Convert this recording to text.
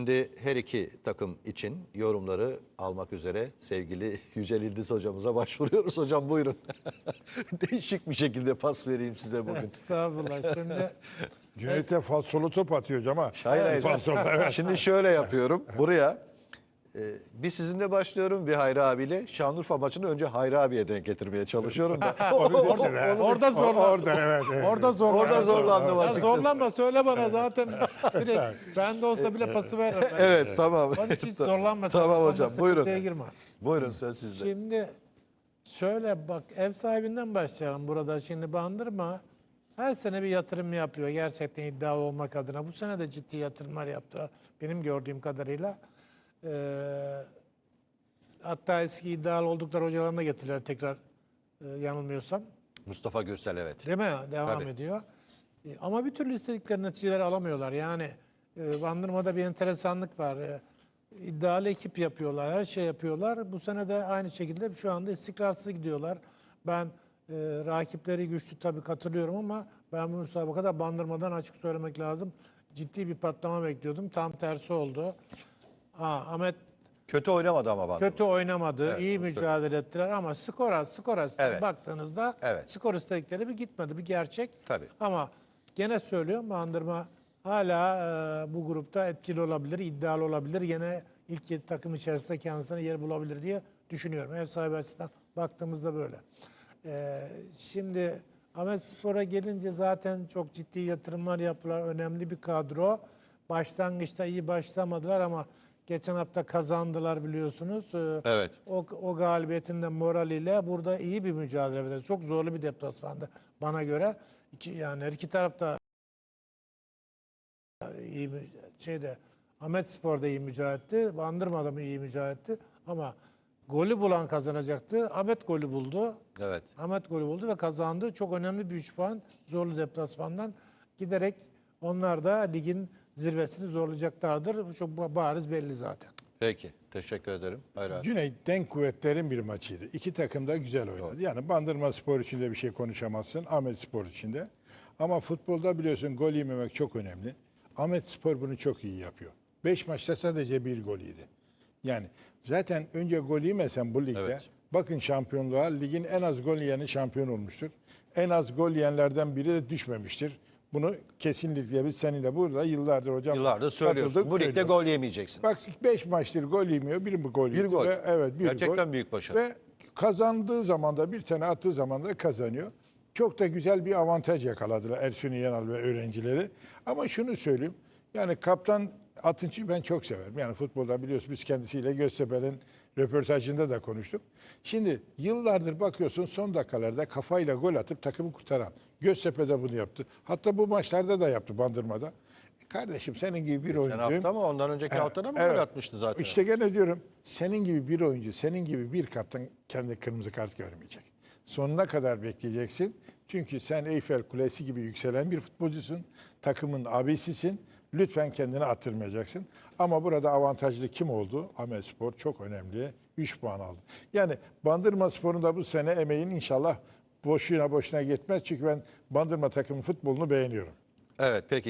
Şimdi her iki takım için yorumları almak üzere sevgili Yücel İldiz hocamıza başvuruyoruz. Hocam buyurun. Değişik bir şekilde pas vereyim size bugün. Estağfurullah. Şimdi Cüneyt'e falsolu top atıyor hocam ha. Hayır, hayır. Falsoda, evet. Şimdi şöyle yapıyorum. Buraya bir sizinle başlıyorum, bir Hayri abiyle. Şanlıurfa maçını önce Hayri abiye denk getirmeye çalışıyorum da. orada zorlan. Orada evet. Orada zorlan. Orada zorlandım Ya açıkçası. zorlanma, söyle bana zaten. Direkt, ben de olsa bile pası veririm. Evet, tamam. Onun için hiç zorlanma. Tamam hocam, buyurun. Sıkıntıya girme. Buyurun, söz sizde. Şimdi şöyle bak, ev sahibinden başlayalım burada. Şimdi Bandırma her sene bir yatırım yapıyor. Gerçekten iddialı olmak adına. Bu sene de ciddi yatırımlar yaptı. Benim gördüğüm kadarıyla. Hatta eski iddialı oldukları hocalarını da getirdiler tekrar, yanılmıyorsam. Mustafa Gürsel, evet. Değil mi? Devam Tabii. ediyor. Ama bir türlü istedikleri neticeleri alamıyorlar. Yani Bandırma'da bir enteresanlık var. İddialı ekip yapıyorlar, her şey yapıyorlar. Bu sene de aynı şekilde şu anda istikrarsız gidiyorlar. Ben rakipleri güçlü tabii, katılıyorum, ama ben bu müsabakada Bandırma'dan, açık söylemek lazım, ciddi bir patlama bekliyordum. Tam tersi oldu. Ahmet Kötü oynamadı ama Bandırma. kötü oynamadı, Evet, iyi onu mücadele ettiler, ama skora Evet. baktığınızda Evet. skor istedikleri bir gitmedi, bir gerçek. Tabii. Ama gene söylüyorum, Bandırma hala bu grupta etkili olabilir, iddialı olabilir. Yine ilk 7 takım içerisinde kendisine yer bulabilir diye düşünüyorum. Ev sahibi açısından baktığımızda böyle. Şimdi Ahmetspor'a gelince zaten çok ciddi yatırımlar yaptılar. Önemli bir kadro. Başlangıçta iyi başlamadılar ama geçen hafta kazandılar, biliyorsunuz. Evet. O galibiyetin de moraliyle burada iyi bir mücadele verdi. Çok zorlu bir deplasmandı bana göre. Yani her iki tarafta iyi Ahmetspor'da iyi mücadele etti. Bandırma'da mı iyi mücadele etti. Ama golü bulan kazanacaktı. Ahmet golü buldu. Evet. Ahmet golü buldu ve kazandı. Çok önemli bir 3 puan zorlu deplasmandan giderek onlar da ligin zirvesini zorlayacaklardır. Çok bariz belli zaten. Peki. Teşekkür ederim. Hayri abi. Cüneyt denk kuvvetlerin bir maçıydı. İki takım da güzel oynadı. Yani Bandırma Spor için de bir şey konuşamazsın. Ahmet Spor için de. Ama futbolda biliyorsun gol yememek çok önemli. Ahmet Spor bunu çok iyi yapıyor. 5 maçta sadece bir gol yedi. Yani zaten önce gol yemesen bu ligde, Evet. bakın şampiyonluğa, ligin en az gol yiyeni şampiyon olmuştur. En az gol yiyenlerden biri de düşmemiştir. Bunu kesinlikle biz seninle burada yıllardır hocam Yıllardır söylüyorsun. katıldık, Bu ligde söylüyoruz. gol yemeyeceksin. Bak 5 maçtır gol yemiyor. Bir gol Bir yedi gol. ve evet bir Gerçekten gol. büyük başarı. Ve kazandığı zaman da, bir tane attığı zaman da kazanıyor. Çok da güzel bir avantaj yakaladılar Ersun Yanal ve öğrencileri. Ama şunu söyleyeyim. Yani kaptan Atınç'ı ben çok severim. Yani futbolda biliyorsun, biz kendisiyle Göztepe'nin röportajında da konuştuk. Şimdi yıllardır bakıyorsun son dakikalarda kafayla gol atıp takımı kurtaran. Göztepe'de bunu yaptı. Hatta bu maçlarda da yaptı, Bandırma'da. Kardeşim senin gibi bir oyuncu. Sen hafta mı? Ondan önceki haftada mı gol atmıştı zaten? İşte gene diyorum, senin gibi bir oyuncu, senin gibi bir kaptan kendi kırmızı kart görmeyecek. Sonuna kadar bekleyeceksin. Çünkü sen Eyfel Kulesi gibi yükselen bir futbolcusun. Takımın abisisin. Lütfen kendini attırmayacaksın. Ama burada avantajlı kim oldu? Ahmetspor çok önemli. 3 puan aldı. Yani Bandırma Spor'un da bu sene emeğin inşallah boşuna gitmez. Çünkü ben Bandırma takımın futbolunu beğeniyorum. Evet, peki.